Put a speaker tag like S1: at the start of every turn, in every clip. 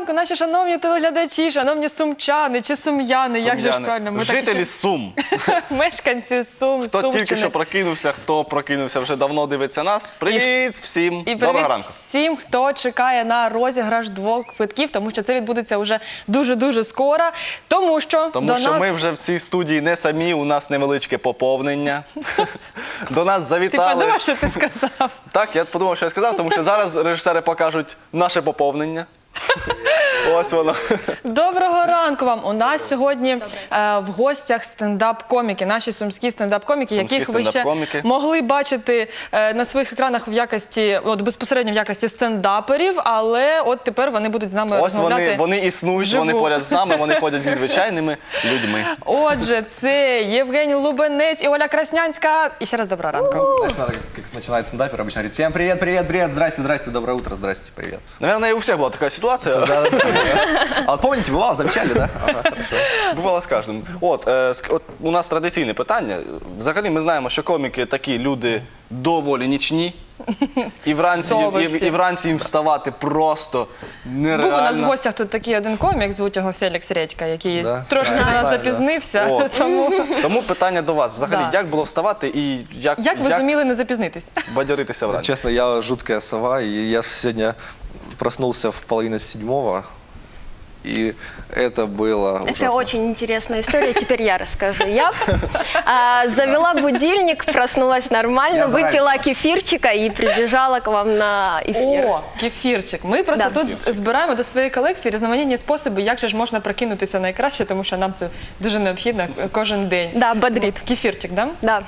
S1: ранку, наші шановні телеглядачі, шановні сумчани чи сум'яни, як же ж правильно? Ми
S2: Жителі Сум.
S1: Мешканці Сум,
S2: Хто
S1: Сумщини.
S2: тільки що прокинувся, хто прокинувся вже давно, дивиться нас. Привіт всім.
S1: І
S2: Доброго
S1: привіт
S2: ранку.
S1: всім, хто чекає на розіграш 2 квитків, тому що це відбудеться вже дуже-дуже скоро. Тому що
S2: Ми вже в цій студії не самі, у нас невеличке поповнення. До нас
S1: Ти
S2: завітали.
S1: подумав, що ти сказав?
S2: Так, я подумав, що я сказав, тому що зараз режисери покажуть наше поповнення. Ось воно.
S1: Доброго ранку вам. У нас сьогодні в гостях стендап-коміки, наші сумські стендап-коміки,
S2: Сумські
S1: яких ви ще
S2: стендап-коміки.
S1: могли бачити на своїх екранах в якості, безпосередньо в якості стендаперів, але от тепер вони будуть з нами
S2: Ось
S1: розмовляти.
S2: вони існують, вони
S1: вживу.
S2: поряд з нами, вони ходять зі звичайними людьми.
S1: Отже, це Євгеній Лубенець і Оля Краснянська. І ще раз доброго ранку.
S3: Знаешь, надо, как начинает стендапер, обычно говорит: всем привет, привет, привет, здрасте, здрасте, доброе утро, здрасте, привет.
S2: Наверное, і у всіх була така ситуація.
S3: А вот помните, бывало, замечали, да? Ага, хорошо.
S2: Бувало з кожним. От у нас традиційне питання. Взагалі ми знаємо, що коміки такі люди доволі нічні. І вранці їм вставати просто нереально.
S1: Був у нас в гостях тут такий один комік, звуть його Фелікс Редька, який
S3: Да.
S1: трошки на нас
S3: Знаю, да.
S1: запізнився.
S2: От. Тому питання до вас. Взагалі,
S1: Да.
S2: як було вставати і
S1: Як ви зуміли не запізнитись?
S2: бадьоритися вранці?
S3: Честно, я жуткая сова, и я сегодня проснулся в 6:30, и это было ужасно.
S4: Это очень интересная история, теперь я расскажу. Я завела будильник, проснулась нормально,
S3: Я
S4: выпила кефирчика и прибежала к вам на эфир.
S1: О, кефірчик. Ми просто
S4: Да.
S1: тут збираємо до своєї колекції різноманітні способи, як же ж можна прокинутися найкраще, тому що нам це дуже необхідно кожен день.
S4: Да, бодрит.
S1: Кефірчик, да?
S4: Да.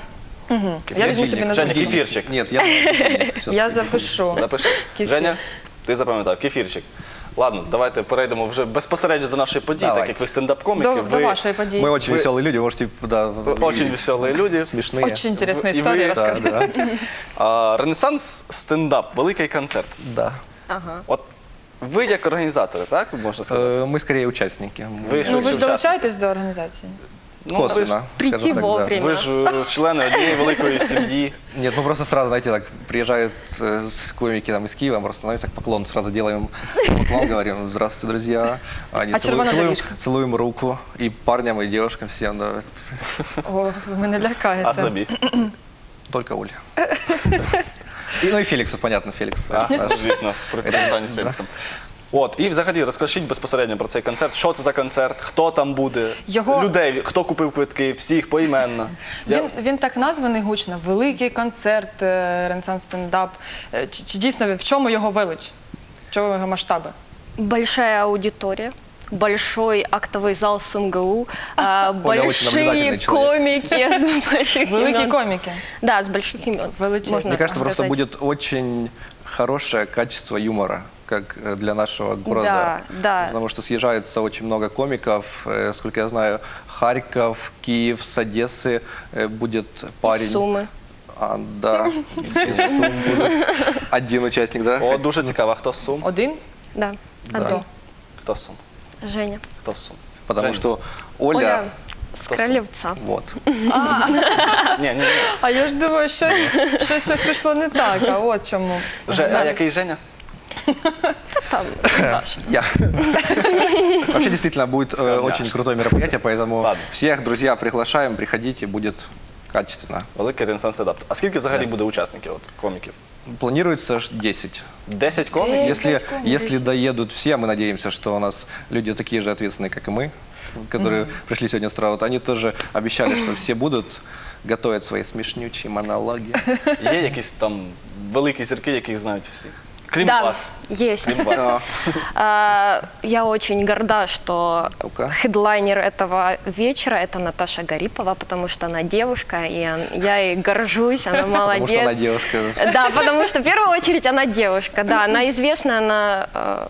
S1: Я візьму собі на
S2: Женя,
S1: замітку.
S2: кефірчик.
S3: Нет, я всё.
S1: Я запишу.
S2: Запиши.
S1: Кефір.
S2: Женя, ти запам'ятав, кефірчик. Ладно, давайте перейдемо вже безпосередньо до нашої події,
S3: Давай.
S2: так як ви стендап-коміки.
S1: До вашої події.
S3: Мы очень веселые люди, можете, да,
S2: Очень веселі люди.
S3: смешные.
S1: Очень інтересна
S2: І ви-
S1: історія,
S3: Да,
S1: розкажи.
S3: да,
S2: Ренесанс стендап, великий концерт.
S3: да.
S2: От ви як організатори, так, можна сказати?
S3: Мы скорее участники.
S2: Ви ж
S1: Ну, ви ж
S2: учасники.
S1: долучаєтесь до організації?
S2: Ну, ви ж-
S3: Косвенно,
S4: Прийти
S3: скажем так, да.
S4: вовремя.
S2: Ви ж члени однієї великої сім'ї.
S3: Нет, ну просто сразу, знаете, так приезжают комики там из Киева, просто становимся, так поклон сразу делаем, поклон, говорим: здравствуйте, друзья. Они
S1: А червона доріжка?
S3: целуем руку и парням, и девушкам всем, да.
S1: О, ви мене лякаєте.
S2: А собі?
S3: Только Оля. Ну и Феликсу, понятно, Феликс.
S2: Звісно, при питанні з Феліксом. От, і взагалі розкажіть безпосередньо про цей концерт. Що це за концерт, хто там буде, людей, хто купив квитки, всіх поіменно.
S1: Він так названий гучно. Великий концерт, Ренесанс стендап. Чи дійсно в чому його велич? В чому його масштаби?
S4: Большая аудитория. Большой актовый зал СумГУ,
S3: очень
S4: большие
S3: наблюдательный человек.
S4: комики с больших
S1: Великі
S4: имен.
S1: коміки.
S4: Да, с больших имен.
S1: Величезные.
S4: можно
S3: Мне кажется,
S4: так
S3: просто
S4: сказать.
S3: будет очень хорошее качество юмора, как для нашего города.
S4: Да, да.
S3: Потому что съезжается очень много комиков. Сколько я знаю, Харьков, Киев, с Одессы будет парень.
S4: Суммы.
S3: Да, из Сум будет один участник, да?
S2: О, дуже цікаво. Хто з Сум?
S1: Один?
S4: Да.
S3: Да.
S4: Одно.
S2: Хто з Сум?
S4: Женя.
S2: Хто з Сум?
S3: Потому
S2: Жень.
S3: что Оля,
S4: Оля с
S2: Кто
S4: Кролевца.
S3: вот.
S2: Ні.
S1: А я ж думаю, щось пішло не так, а от чому.
S2: А який Женя?
S4: Там.
S3: Я. Вообще действительно будет очень крутое мероприятие, поэтому
S2: Ладно.
S3: всех, друзья, приглашаем, приходите, будет качественно.
S2: Великий Ренесанс стендап. А скільки взагалі буде учасників, коміків?
S3: Планируется 10.
S2: 10 коміків?
S3: Если доедут все, мы надеемся, что у нас люди такие же ответственные, как и мы, которые пришли сегодня с утра. Вот они тоже обещали, что все будут готовить свои смешнючие монологи.
S2: Є якісь там великі зірки, яких знають всі? Крім
S4: Да,
S2: вас.
S4: есть.
S2: Крім вас.
S4: Я очень горда, что
S3: Ну-ка.
S4: хедлайнер этого вечера – это Наташа Гарипова, потому что она девушка, и я ей горжусь, она молодец.
S3: Потому что она девушка.
S4: Да, потому что в первую очередь она девушка, да, она известна, она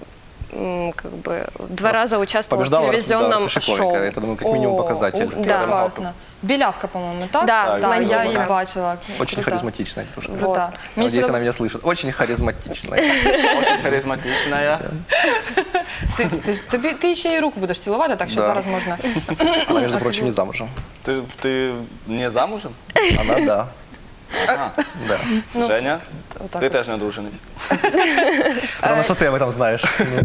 S4: как бы 2 раза участвовала в
S3: Побеждала
S4: телевизионном
S3: «Рассмеши
S4: шоу.
S3: комика». Это, думаю, как минимум показатель.
S1: Ух ти,
S4: Да.
S1: класно. Білявка, по-моєму, так?
S4: Да,
S1: я
S4: блондинка.
S1: її бачила.
S3: Очень
S1: Крута.
S3: харизматичная девушка.
S1: Крута. Мені
S3: Надеюсь, она
S1: сподобалось.
S3: меня слышит. Очень харизматичная.
S2: Дуже харизматична я.
S1: Ти ще й руку будеш цілувати, так що
S3: Да.
S1: зараз можна.
S3: Она, между прочим, не замужем.
S2: Ти не замужем?
S3: Она, да. Да.
S2: Женя,
S1: отак
S2: ти
S1: от.
S2: теж не одружений.
S3: Странно, что ты об этом знаешь.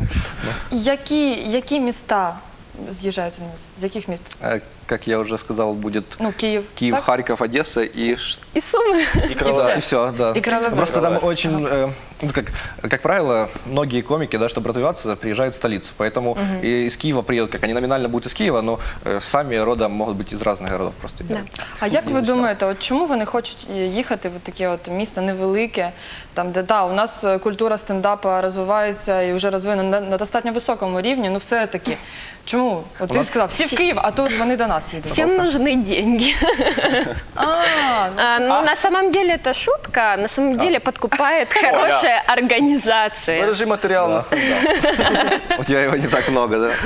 S1: Які міста з'їжджаються на нас? З яких міст?
S3: Как я уже сказал, будет
S1: Ну, Київ.
S3: Киев,
S1: так?
S3: Харьков, Одесса и
S4: И суммы.
S2: І Кролевець.
S3: да, и все, да.
S1: И Кролевец.
S3: Просто там
S2: Кролевец.
S3: очень, ну, как правило, многие комики, да, чтобы развиваться, приезжают в столицу. Поэтому и из Киева приедут, как они номинально будут из Киева, но сами родом могут быть из разных городов просто.
S4: Да.
S1: А як ви думаєте, от чому вони хочуть їхати в таке от місто невелике, там де у нас культура стендапа розвивається і вже розвинена на достатньо високому рівні, ну все-таки. Чому? От ти сказав, всі в Київ, а тут вони до нас їдуть.
S4: Всем нужны деньги. Ну, на самом деле это шутка, на самом деле подкупает хорошая организация.
S2: Бережи матеріал на стендап.
S3: У тебя его не так много, да?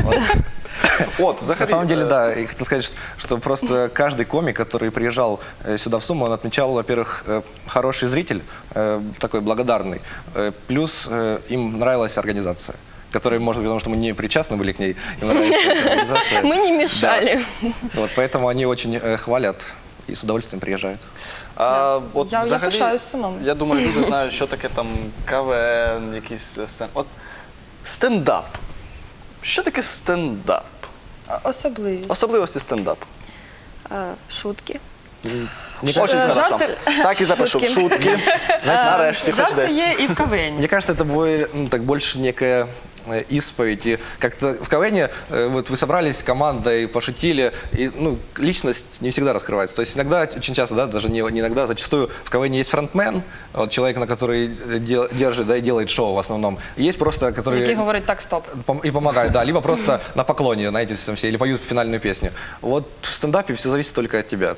S2: От, взагалі,
S3: На самом деле, да, я хотел сказать, что просто каждый комик, который приезжал сюда в Суму, он отмечал, во-первых, хороший зритель, такой благодарный, плюс им нравилась организация, которая, может быть, потому что мы не причастны были к ней, им нравится эта организация.
S4: Мы не мешали.
S3: Вот, поэтому они очень хвалят и с удовольствием приезжают.
S2: От,
S1: Я
S2: взагалі,
S1: пишаюсь Сумами.
S2: я думаю, люди знають, що таке там КВН, якісь От стендап. Що таке стендап?
S1: Особливість.
S2: Особливості стендапу.
S4: Шутки.
S3: Мне
S2: Очень
S1: Жарти-
S2: хорошо. Так і запишу. Шутки. Нарешті, хоч
S1: Жарти
S2: десь.
S1: є і в КВН.
S3: Мне кажется, это так больше некая исповедь. И как-то в КВН вот вы собрались командой, пошутили, и личность не всегда раскрывается. То есть иногда, очень часто, да, даже не иногда, зачастую в КВН есть фронтмен, вот человек, на который держит, да, и делает шоу в основном. Есть просто, который...
S1: Який говорить так, стоп.
S3: И помогают, да, либо просто на поклоне, знаете, там все, или поют финальную песню. Вот в стендапе все зависит только от тебя.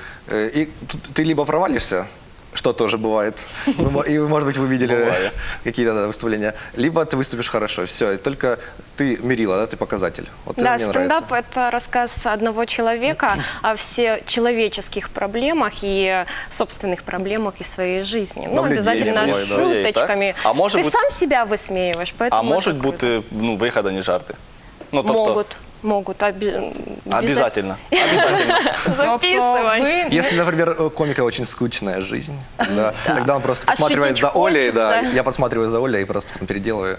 S3: Ты либо провалишься, что тоже бывает, и, может быть, вы видели какие-то выступления, либо ты выступишь хорошо, все, и только ты мерила, да, ты показатель. Вот это
S4: Да,
S3: мне нравится.
S4: стендап – это рассказ одного человека о всечеловеческих проблемах и собственных проблемах из своей жизни. Ну,
S3: Там людей
S4: обязательно
S3: своей,
S4: с
S3: да.
S4: шуточками.
S2: Так? А может
S4: Ты
S2: быть-
S4: сам себя высмеиваешь, поэтому
S2: А
S4: это
S2: можуть
S4: круто.
S2: бути вигадані жарти? Ну, тобто,
S4: Могут.
S2: обязательно. Обязательно.
S1: Тобто
S4: Записывай.
S3: Если, например, у комика очень скучная жизнь, да, тогда он просто
S4: А
S3: подсматривает
S4: шутить
S3: за Олей, да,
S4: хочется.
S3: я подсматриваю за Олей и просто там переделываю.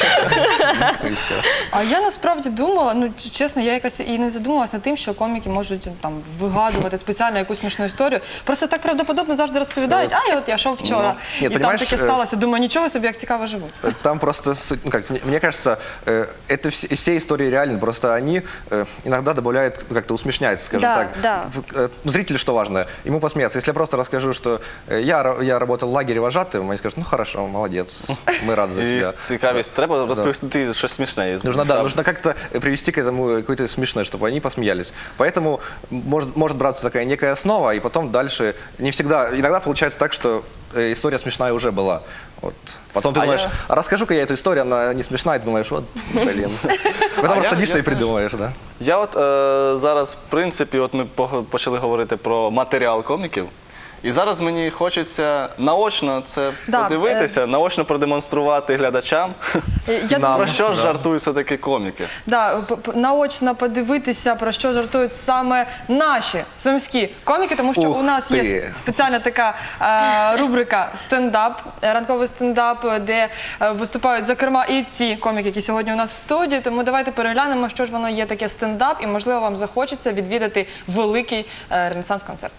S3: И все.
S1: А я насправді думала, ну чесно, я якось і не задумувалася над тим, що коміки можуть там вигадувати спеціально якусь смішну історію. Просто так правдоподобно завжди розповідають, я йшов вчора,
S3: Ні,
S1: і там
S3: понімаєш,
S1: таке сталося. Думаю, нічого собі, як цікаво живуть.
S3: Там просто, мне кажется, это все истории реальны, просто они иногда добавляют, как-то усмешняют, скажем
S4: Да,
S3: так.
S4: да.
S3: Зрителю что важно? Ему посмеяться. Если я просто расскажу, что я работал в лагере вожатым, они скажут, ну хорошо, молодец, мы рады за
S2: І
S3: тебя.
S2: цікавість. Треба розповісти щось смішне.
S3: Нужно как-то привести к этому какое-то смешное, чтобы они посмеялись. Поэтому может браться такая некая основа, и потом дальше не всегда, иногда получается так, что история смешная уже была. Вот. Потом ты думаешь, расскажу-ка я эту историю, она не смешная, и ты думаешь, вот, блин. Потом садишься и придумаешь, да.
S2: Я от зараз, в принципі, от ми почали говорити про матеріал коміків. І зараз мені хочеться наочно це
S1: Да,
S2: подивитися, наочно продемонструвати глядачам,
S1: Я
S3: Нам.
S2: про що ж жартують все-таки коміки.
S1: наочно подивитися, про що жартують саме наші сумські коміки, тому що
S3: Ух
S1: у нас є
S3: ти.
S1: спеціальна така рубрика стендап, ранковий стендап, де виступають, зокрема, і ці коміки, які сьогодні у нас в студії. Тому давайте переглянемо, що ж воно є таке стендап, і, можливо, вам захочеться відвідати великий ренесанс-концерт.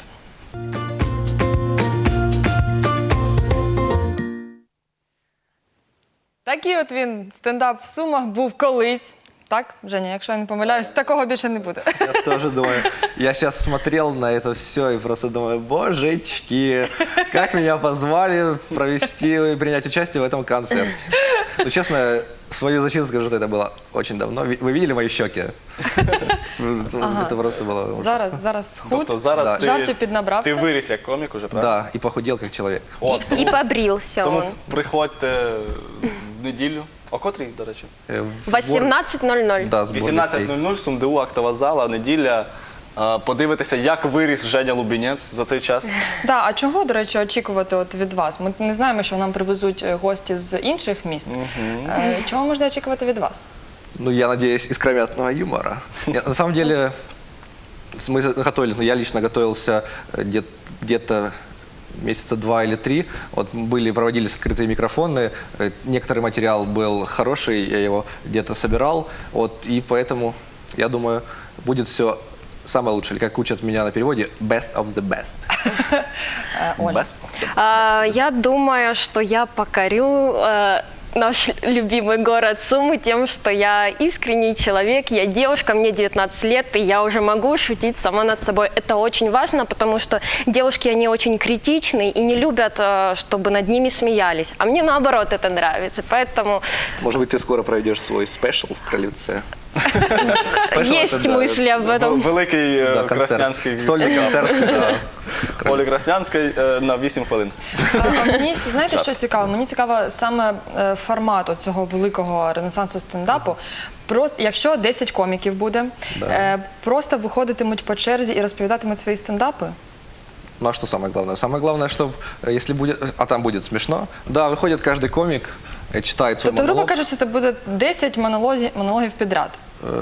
S1: Такий от він, стендап в Сумах, був колись. Так, Женя, якщо я не помиляюсь, такого більше не буде.
S3: Я тоже думаю, я сейчас смотрел на это все и просто думаю, божечки, как меня позвали провести и принять участие в этом концерте. Ну, честно, свою защиту скажу, что это было очень давно. Вы видели мои щеки? Это просто было...
S1: Зараз схуд,
S2: Тобто зараз
S1: жартів
S2: ти
S1: піднабрався.
S2: виріс як комік уже, правда?
S3: Да, и похудел как человек.
S2: От,
S4: И побрился
S2: тому
S4: он.
S2: приходьте в неділю. О котрій, до речі?
S3: В
S4: 18:00.
S3: Да, сбор гостей.
S2: 18:00, СумДУ, актова зала, неділя. Подивитися, як виріс Женя Лубінець за цей час.
S1: Да, а чого, до речі, очікувати от від вас? Ми не знаємо, що нам привезуть гості з інших міст. Чого можна очікувати від вас?
S3: Ну, я надеюсь, искрометного юмора. Нет, на самом деле, мы готовились, я лично готовился где-то месяца 2 или 3. Вот проводились открытые микрофоны, некоторый материал был хороший, я его где-то собирал, вот, и поэтому, я думаю, будет все самое лучшее, или как учат меня на переводе, best of the best.
S1: Оля.
S2: Без?
S4: Я думаю, что я покорю наш любимый город Сумы тем, что я искренний человек, я девушка, мне 19 лет, и я уже могу шутить сама над собой. Это очень важно, потому что девушки, они очень критичны и не любят, чтобы над ними смеялись. А мне наоборот это нравится, поэтому
S3: Может быть, ты скоро проведешь свой спешл в Кролевце?
S4: есть мысли об этом.
S2: Великий краснянський
S3: Сольный концерт. да.
S2: Олі Краснянської на 8 хвилин.
S1: А мені ще, знаєте, що цікаво? Мені цікаво саме формат цього великого ренесансу стендапу. Просто, якщо 10 коміків буде, просто виходитимуть по черзі і розповідатимуть свої стендапи?
S3: Ну а что самое главное? Самое главное, чтобы если будет, а там будет смешно, да, выходит каждый комик, читает свой
S1: Тобто, грубо
S3: монолог.
S1: кажучи, це буде 10 монологів підряд.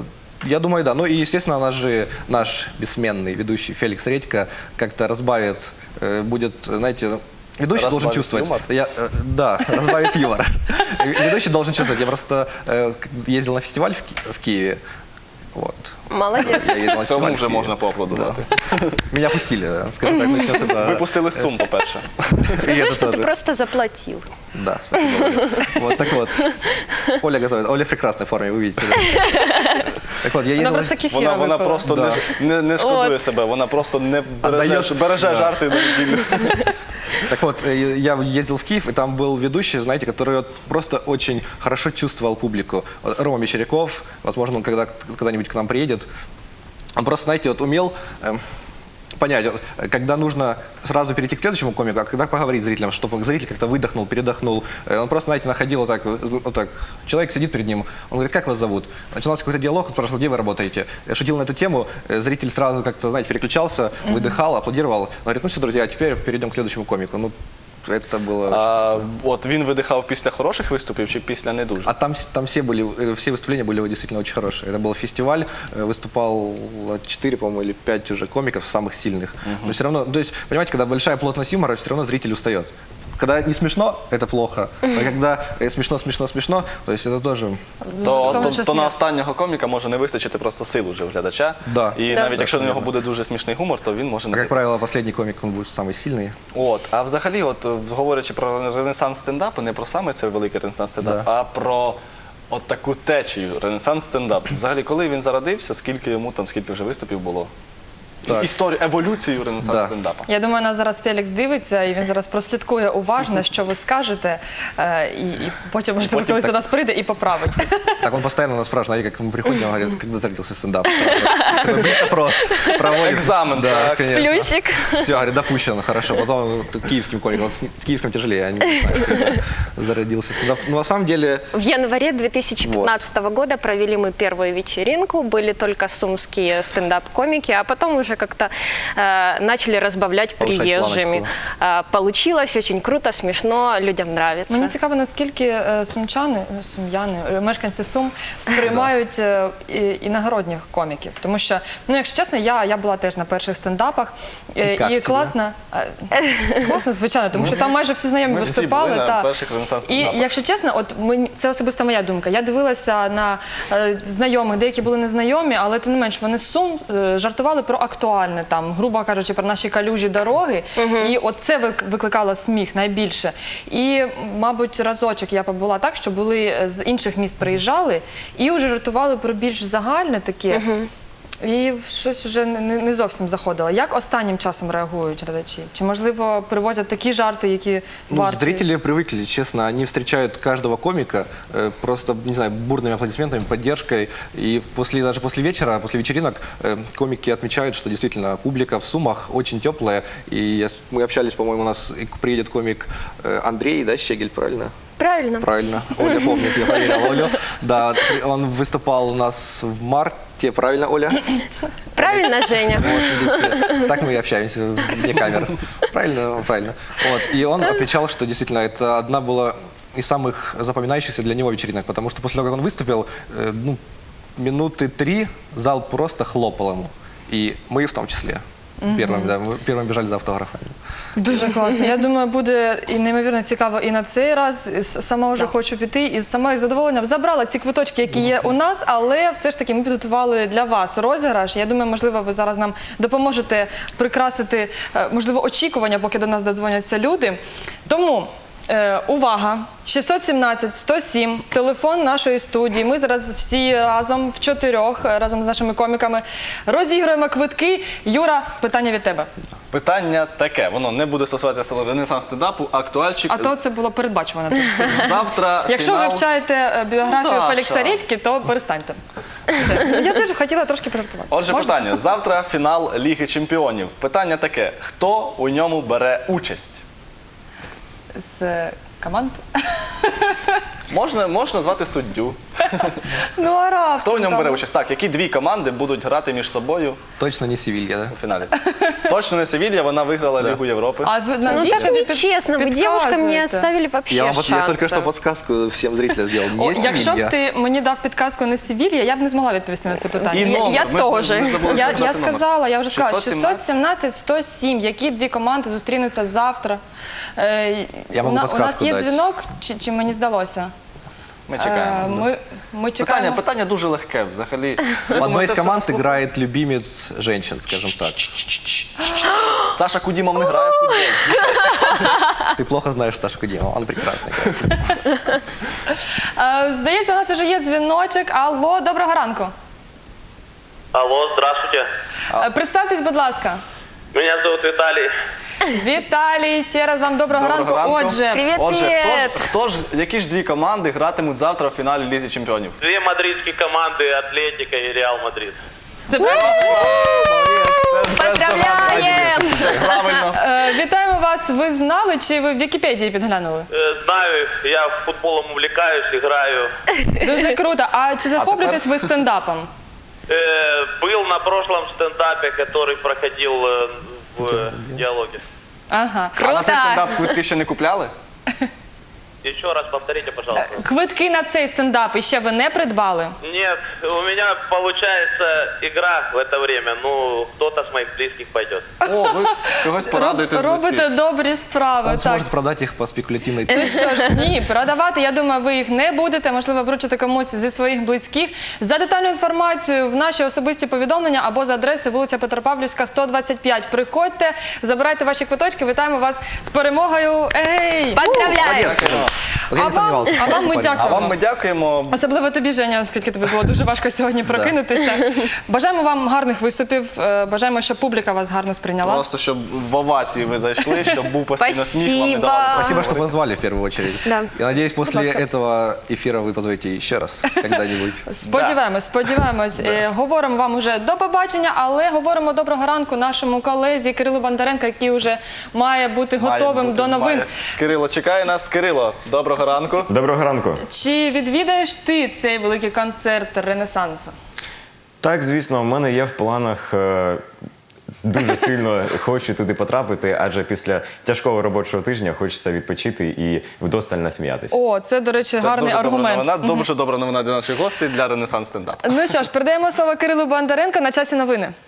S3: Я думаю, да. Ну и, естественно, наш бессменный ведущий Феликс Редько как-то разбавит, будет, знаете, ведущий должен
S2: Разбавит
S3: чувствовать.
S2: юмор?
S3: Да, разбавить юмор. Ведущий должен чувствовать. Я просто ездил на фестиваль в Киеве. Вот.
S4: Молодец.
S3: Я ездил на фестиваль
S2: Цьому
S3: в
S2: вже
S3: Киеве.
S2: можна поаплодувати.
S3: Меня пустили, скажем так, начнется это.
S2: Випустили з Сум, по-перше.
S3: И
S4: Скажи,
S3: это
S4: что ты
S3: тоже.
S4: просто заплатил.
S3: Да, спасибо, Оля. Вот так вот. Оля готовит. Оля в прекрасной форме, вы видите. Да? Так вот, я
S1: Вона
S3: ездил на
S1: просто кефіра
S2: Вона
S1: випила.
S2: просто
S3: Да.
S2: не шкодує
S4: От.
S2: себе, вона просто не береже
S3: Да.
S2: жарти на неділю.
S3: Так вот, я ездил в Киев, и там был ведущий, знаете, который вот просто очень хорошо чувствовал публику. Вот Рома Мещеряков, возможно, он когда-нибудь к нам приедет. Он просто, знаете, вот умел понять, вот, когда нужно сразу перейти к следующему комику, а когда поговорить с зрителем, чтобы зритель как-то выдохнул, передохнул. Он просто, знаете, находил вот так, человек сидит перед ним, он говорит, как вас зовут? Начинался какой-то диалог, он спрашивал, где вы работаете? Я шутил на эту тему, зритель сразу как-то, знаете, переключался, выдыхал, аплодировал. Он говорит, ну все, друзья, а теперь перейдем к следующему комику. Ну, это было...
S2: А от він видихав після хороших виступів чи після не дуже?
S3: А там все выступления были действительно очень хорошие. Это был фестиваль, выступал 4, по-моему, или 5 уже комиков, самых сильных. Но все равно, то есть, понимаете, когда большая плотность юмора, все равно зритель устает. Когда не смешно, это плохо. А когда смешно, то есть это тоже...
S1: В тому числі.
S2: То на останнього коміка може не вистачити просто сил уже в глядача.
S3: Да.
S2: І
S4: Да.
S2: навіть якщо на нього
S3: Да.
S2: буде дуже смішний гумор, то він може
S3: А
S2: не
S3: как
S2: зайти.
S3: правило, последний комик, он будет самый сильный.
S2: От, а взагалі, от говорячи про ренесанс стендапу, не про саме цей великий ренесанс стендап,
S3: Да.
S2: а про от таку течію ренесанс стендап. Взагалі, коли він зародився, скільки йому там, скільки вже виступів було?
S3: Так.
S2: Історію, еволюцію ренесанс
S3: Да.
S2: стендапа.
S1: Я думаю, нас зараз Фелікс дивиться, і він зараз прослідкує уважно, що ви скажете, і потім, можливо, колись до нас прийде і поправить.
S3: Так он постоянно нас спрашивает, знаете, как мы приходим, он говорит, когда зародился стендап. Такой опрос проводим.
S2: Экзамен,
S3: да,
S2: так.
S3: конечно.
S4: Плюсик.
S3: Все, говорит, допущено, хорошо. Потом киевским комиком, вот с киевским тяжелее, я не знаю, когда зародился стендап. Но на самом деле,
S4: В январе 2015 года провели мы первую вечеринку, были только сумские стендап-комики, а потом уже как-то начали разбавлять
S3: Повышать
S4: приезжими. Получилось очень круто, смешно, людям нравится.
S1: Мені цікаво, наскільки сум'яни, мешканці Сум сприймають іногородніх коміків. Тому що, ну, якщо чесно, я була теж на перших стендапах.
S3: як тобі?
S1: Класно, звичайно, тому що там майже всі знайомі
S2: Ми всі
S1: виступали.
S2: були на
S1: та.
S2: перших ренесанс
S1: І
S2: стендапах.
S1: якщо чесно, от це особисто моя думка. Я дивилася на знайомих, деякі були незнайомі, але тим не менш вони з Сум жартували про актуальне, там, грубо кажучи, про наші калюжі дороги. І от це викликало сміх найбільше. І, мабуть, разочок я побула так, що були з інших міст приїжджали і вже жартували про більш загальне таке. І щось вже не зовсім заходило. Як останнім часом реагують глядачі? Чи, можливо, привозять такі жарти, які
S3: ну,
S1: варті?
S3: зрители привыкли, честно, они встречают каждого комика просто, не знаю, бурными аплодисментами, поддержкой. И даже после вечера, после вечеринок комики отмечают, что действительно публика в Сумах очень теплая. И мы общались, по-моему, у нас приедет комик Андрей, да, Щегель, правильно?
S4: Правильно.
S3: Правильно. Оля помнит, я проверял Олю. Да, он выступал у нас в марте, правильно, Оля?
S4: Правильно, Женя.
S3: Вот, видите, так мы и общаемся вне камер. Правильно, правильно. Вот, и он отмечал, что действительно это одна была из самых запоминающихся для него вечеринок, потому что после того, как он выступил, ну, минуты 3 зал просто хлопал ему. И мы в том числе. Первыми, да, мы первыми бежали за автографами.
S1: Дуже класно. Я думаю, буде і неймовірно цікаво і на цей раз. Сама вже хочу піти і сама із задоволенням забрала ці квиточки, які є у нас, але все ж таки ми підготували для вас розіграш. Я думаю, можливо, ви зараз нам допоможете прикрасити, можливо, очікування, поки до нас додзвоняться люди. Тому увага! 617-107, телефон нашої студії. Ми зараз всі разом, в чотирьох, разом з нашими коміками, розіграємо квитки. Юра, питання від тебе.
S2: Питання таке, воно не буде стосуватися Ренесанс стендапу, актуальчик.
S1: А то це було передбачувано.
S2: Завтра
S1: Якщо
S2: фінал.
S1: вивчаєте біографію
S2: Даша.
S1: Фелікса Рідьки, то перестаньте. Все. Я теж хотіла трошки пожартувати.
S2: Отже,
S1: Можна?
S2: питання. Завтра фінал Ліги Чемпіонів. Питання таке, хто у ньому бере участь?
S1: З команд?
S2: Можна звати суддю.
S1: Ну, а раптом
S2: Хто в ньому
S1: там?
S2: бере участь? Так, які дві команди будуть грати між собою
S3: Точно не Севилья, да?
S2: у фіналі? Точно не Севілья, вона виграла Лігу Європи.
S1: А ви
S4: Ну
S1: навіщо
S4: так
S1: ви
S4: нечестно, вы девушкам не
S1: підказуєте?
S4: оставили вообще
S3: Я
S4: шанса.
S3: только что подсказку всем зрителям сделал.
S1: О,
S3: Не
S1: якщо б
S3: Севилья.
S1: ти мені дав підказку не Севілья, я б не змогла відповісти на це питання.
S2: І номер.
S4: Я
S2: Ми ж-
S4: теж.
S2: ми забули
S1: Я
S2: сказати номер.
S1: сказала, я вже сказала,
S2: 617.
S1: 617-107. Які дві команди зустрінуться завтра?
S3: Я можу
S1: у нас
S3: підказку
S1: є
S3: дати.
S1: дзвінок, чи мені здалося?
S2: Ми чекаємо.
S1: Ми чекаємо.
S2: Питання дуже легке взагалі.
S3: В одной из команд играет любимец женщин, скажем так.
S2: Саша Кудімов не грає в футбол.
S3: Ты плохо знаешь Сашу Кудимова, он прекрасно играет.
S1: Здається, у нас вже є дзвіночок. Алло, доброго ранку.
S5: Алло, здравствуйте.
S1: Представтесь, будь ласка.
S5: Меня зовут Виталий.
S1: Віталій, ще раз вам доброго ранку. Отже,
S4: Привет,
S2: Отже,
S4: привет.
S2: які ж дві команди гратимуть завтра в фіналі Лізі Чемпіонів?
S5: Две мадридские команды, Атлетика и Реал Мадрид.
S1: це правильно.
S4: Поздравляем!
S2: Правильно.
S1: Вітаємо вас. Ви знали, чи ви в Вікіпедії підглянули?
S5: Знаю, я футболом увлекаюсь, играю.
S1: Дуже круто. А чи захоплюєтесь ви стендапом?
S5: Был на прошлом стендапе, который проходил в диалоге.
S1: Ага.
S2: А на цей стендап квитки ще не купляли?
S5: Еще раз повторите, пожалуйста.
S1: Квитки на цей стендап іще ви не придбали?
S5: Нет, у меня получается игра в это время. Ну, кто-то с моих близких пойдет.
S2: О, ви когось порадуєте з
S1: Робите
S2: близьких.
S1: добрі справи.
S3: Он
S1: Так.
S3: сможет продать их по спекулятивной цене.
S1: Ну що ж, ні, продавати, я думаю, ви їх не будете, можливо, вручите комусь зі своїх близьких. За детальну інформацію в наші особисті повідомлення або за адресою вулиця Петропавлівська, 125. Приходьте, забирайте ваші квиточки, вітаємо вас з перемогою. Ей!
S4: Поздравляю!
S3: Вот я не сомневался.
S1: А вам ми
S2: А
S1: дякуємо.
S2: вам ми дякуємо.
S1: Особливо тобі, Женя, оскільки тобі було дуже важко сьогодні прокинутися. Бажаємо вам гарних виступів, бажаємо, щоб публіка вас гарно сприйняла.
S2: Просто щоб в овації ви зайшли, щоб був постійно сміх, вам не давали.
S4: Спасибо.
S3: Спасибо, что позвали в первую очередь.
S4: Да.
S3: Я надеюсь, после
S1: ласка.
S3: этого эфира вы позовете еще раз когда-нибудь.
S1: Сподіваємось. Говоримо вам уже до побачення, але говоримо доброго ранку нашому колезі Кирилу Бондаренко, який вже має бути
S2: Має
S1: готовим
S2: бути,
S1: до новин.
S2: має. Кирило чекає нас. Кирило, доброго ранку.
S6: Доброго ранку.
S1: Чи відвідаєш ти цей великий концерт Ренесансу?
S6: Так, звісно, в мене є в планах. Дуже сильно хочу туди потрапити, адже після тяжкого робочого тижня хочеться відпочити і вдосталь насміятися.
S1: О, це, до речі,
S2: Це
S1: гарний
S2: дуже добра
S1: аргумент.
S2: новина, дуже добра новина для наших гостей, для Ренесанс стендапу.
S1: Ну що ж, передаємо слово Кирилу Бондаренко на часі новини.